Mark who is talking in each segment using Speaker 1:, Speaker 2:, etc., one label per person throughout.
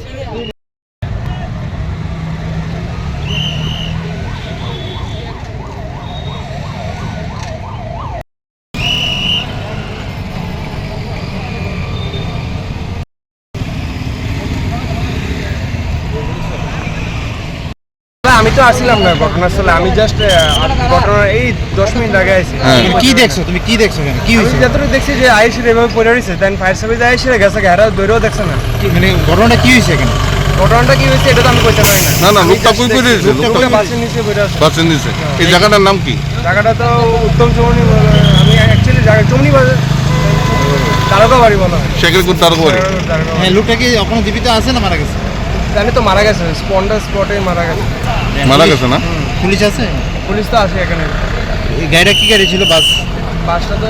Speaker 1: আমি তো আসছিলাম না ঘটনাস্থলে, আমি জাস্ট ঘটনার এই 10 মিনিট আগে আইছি।
Speaker 2: কি দেখছো তুমি, কি দেখছো কেন, কি হইছে?
Speaker 1: যতটুকু দেখছি যে আইসির এভাবে পড়ে রয়েছে, দেন ফায়ার সার্ভিস আইসির গেছে, হেরা দৌড়েও দেখছে না।
Speaker 2: মানে ঘটনাটা কি হইছে কেন?
Speaker 1: ঘটনাটা কি হয়েছে এটা তো আমি কইতে পারি না।
Speaker 3: না লোকটা কই করে দিয়েছে?
Speaker 1: লোকটা বাসের নিচে পড়ে আছে।
Speaker 3: বাসের নিচে। এই জায়গাটার নাম কি?
Speaker 1: জায়গাটা তো উত্তম চৌমনি, আমি অ্যাকচুয়ালি জায়গা চৌমনি বাজার তারকা বাড়ি বলা হয়।
Speaker 3: শেখেরপুর তারকা বাড়ি।
Speaker 2: হ্যাঁ, লোকটা কি এখনো জীবিত আছে না মারা গেছে?
Speaker 1: জানি তো মারা গেছে, স্পটে মারা গেছে।
Speaker 3: মারা গেছে না?
Speaker 2: পুলিশ আছে?
Speaker 1: পুলিশ তো আছে এখানে।
Speaker 2: এই গাড়িটা কি গাড়ি ছিল?
Speaker 1: বাসটা তো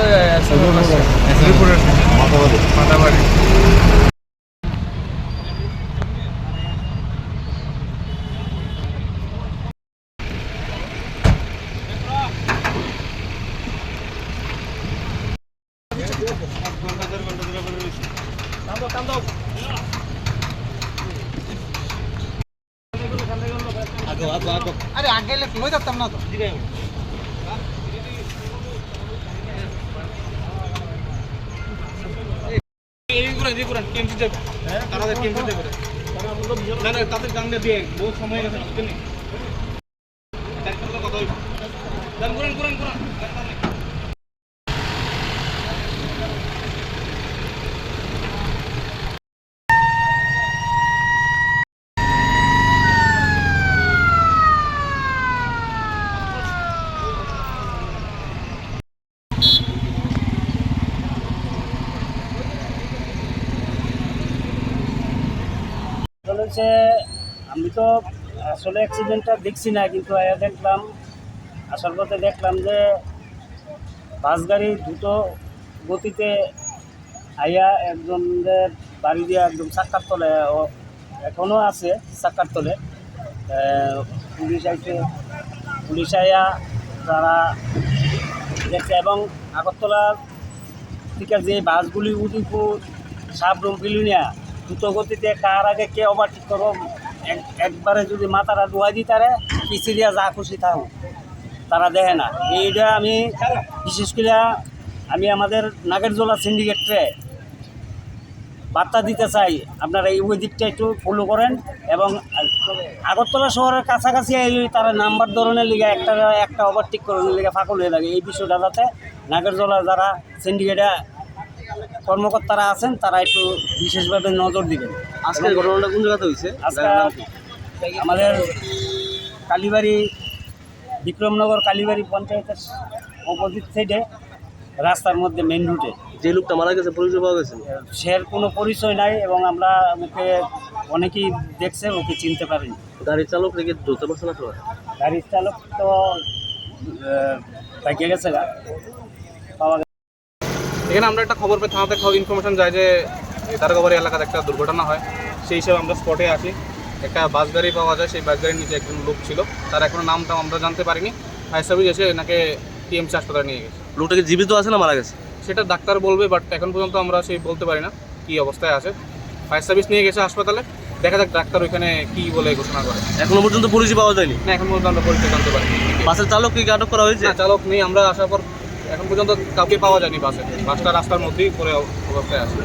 Speaker 1: মাথাবাড়ি।
Speaker 2: আরে আগে এলে লই যাতাম না তো।
Speaker 4: আমি তো আসলে অ্যাক্সিডেন্টটা দেখছি না, কিন্তু দেখলাম আসার পথে দেখলাম যে বাস গাড়ি দ্রুত গতিতে আইয়া একজনের বাড়ি দিয়ে একদম চাক্কার তলে, এখনও আছে চাক্কার তলে। পুলিশ আইয়া তারা দেখছে, এবং আগরতলা থেকে যে বাসগুলি উদিপুর সাবরুম বিলুনিয়া দ্রুত গতিতে কার আগে কে ওভারটেক করো, একবারে যদি মাথাটা ডুয়াই দিই তারে পিছিয়ে দিয়া যা খুশি থাকুক, তারা দেখে না। এইটা আমি বিশেষ করে আমি আমাদের নাগেরজোলা সিন্ডিকেটে বার্তা দিতে চাই, আপনারা ওই দিকটা একটু ফলো করেন, এবং আগরতলা শহরের কাছাকাছি তারা নাম্বার ধরনের লিগে একটা ওভারটেক করার লিগে ফাঁকল হয়ে থাকে। এই বিষয়টা যাতে নাগেরজোলা যারা সিন্ডিকেটে কর্মকর্তারা আছেন তারা একটু বিশেষভাবে নজর দিবেন।
Speaker 1: আজকের ঘটনাটা কোন জায়গাতে হয়েছে?
Speaker 4: আজকে আমাদের কালীবাড়ি, বিক্রমনগর কালীবাড়ি পঞ্চায়েতের অপোজিট সাইডে রাস্তার মধ্যে মেন রুটে।
Speaker 1: যে লোকটা মারা গেছে পরিচয় পাওয়া গেছে?
Speaker 4: সের কোনো পরিচয় নাই, এবং আমরা ওকে অনেকেই দেখছে, ওকে চিনতে পারিনি।
Speaker 1: গাড়ির চালক রেখে ধরতে পারছে না?
Speaker 4: গাড়ির চালক তো বাইকে গেছে, পাওয়া গেছে।
Speaker 5: এখানে আমরা একটা খবর পেয়ে থানাতে ইনফরমেশন যায় যে তারকাবাড়ি এলাকাতে একটা দুর্ঘটনা হয়। সেই হিসেবে আমরা স্পটে আসি, একটা বাস গাড়ি পাওয়া যায়, সেই বাস গাড়ির নিচে একজন লোক ছিল, তার এখনো নামটা আমরা জানতে পারিনি। ফায়ার সার্ভিস এসে এনাকে টিএমসি হাসপাতালে নিয়ে গেছে।
Speaker 1: লোকটাকে জীবিত আছে না মারা গেছে
Speaker 5: সেটা ডাক্তার বলবে, বাট এখন পর্যন্ত আমরা সেই বলতে পারি না কী অবস্থায় আছে। ফায়ার সার্ভিস নিয়ে গেছে হাসপাতালে, দেখা যাক ডাক্তার ওইখানে কী বলে ঘোষণা করে।
Speaker 1: এখনো পর্যন্ত পুলিশ পাওয়া যায়নি?
Speaker 5: না, এখন পর্যন্ত আমরা পরিচয় জানতে পারিনি।
Speaker 1: বাসের চালক কি আটক করা হয়েছে?
Speaker 5: না, চালক নেই, আমরা আসার পর এখন পর্যন্ত কাউকে পাওয়া যায়নি বাসে। বাসটা রাস্তার মধ্যেই পরে অবস্থায় আছে।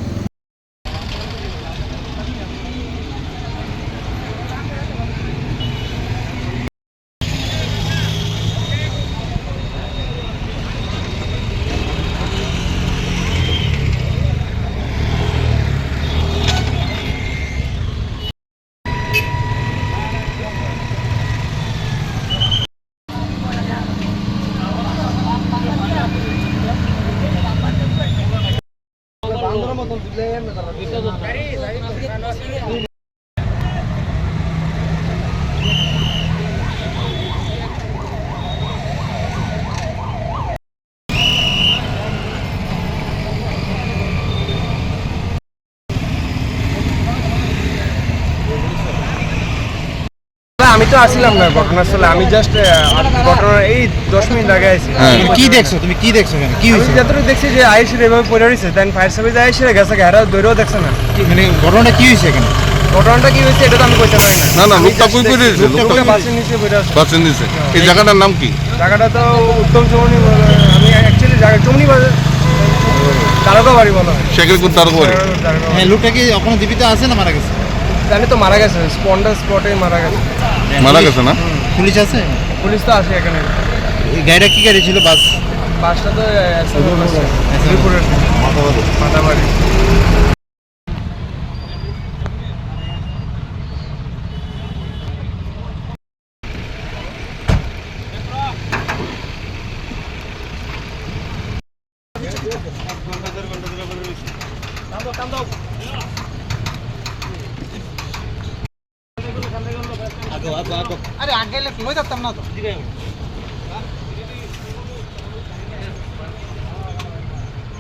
Speaker 1: আমি তো আসছিলাম না ঘটনাস্থলে, আমি জাস্ট ঘটনার এই 10 মিনিট আগে আইছি।
Speaker 2: কি দেখছো তুমি, কি দেখছো কেন, কি হইছে?
Speaker 1: যতটুকু দেখছি যে আইসির এভাবে পড়ে রয়েছে, দেন ফায়ার সার্ভিস আইসির গেছে, হেরা দৌড়েও দেখছে না।
Speaker 2: মানে ঘটনাটা কি হইছে কেন?
Speaker 1: ঘটনাটা কি হয়েছে এটা তো আমি বলতে পারি
Speaker 3: না, না,
Speaker 1: আমি
Speaker 3: লোকটা
Speaker 1: just
Speaker 3: কই করে দিয়েছে?
Speaker 1: লোকটা
Speaker 3: লোকটা
Speaker 1: বাসের নিচে বসে আছে।
Speaker 3: বাসের নিচে এই জায়গাটার নাম কি?
Speaker 1: জায়গাটা তো উত্তম চৌমনি বলে, আমি অ্যাকচুয়ালি জায়গা চৌমনি বাজার তারকা বাড়ি বলা হয়।
Speaker 3: শেখেরপুর তারকবাড়ি।
Speaker 1: তারকা বাড়ি।
Speaker 2: হ্যাঁ লোকটা কি এখনো জীবিত আছে না মারা গেছে?
Speaker 1: জানি তো মারা গেছে, স্পটে মারা গেছে।
Speaker 3: মারা গেছে না?
Speaker 2: পুলিশ আছে?
Speaker 1: পুলিশ তো আসে এখানে।
Speaker 2: এই গাড়িটা কি গাড়ি ছিল? বাস?
Speaker 1: বাসটা তো শ্রীপুরের মাথাবাড়ি।
Speaker 2: আরে আগে এলে লই যেতাম না তো।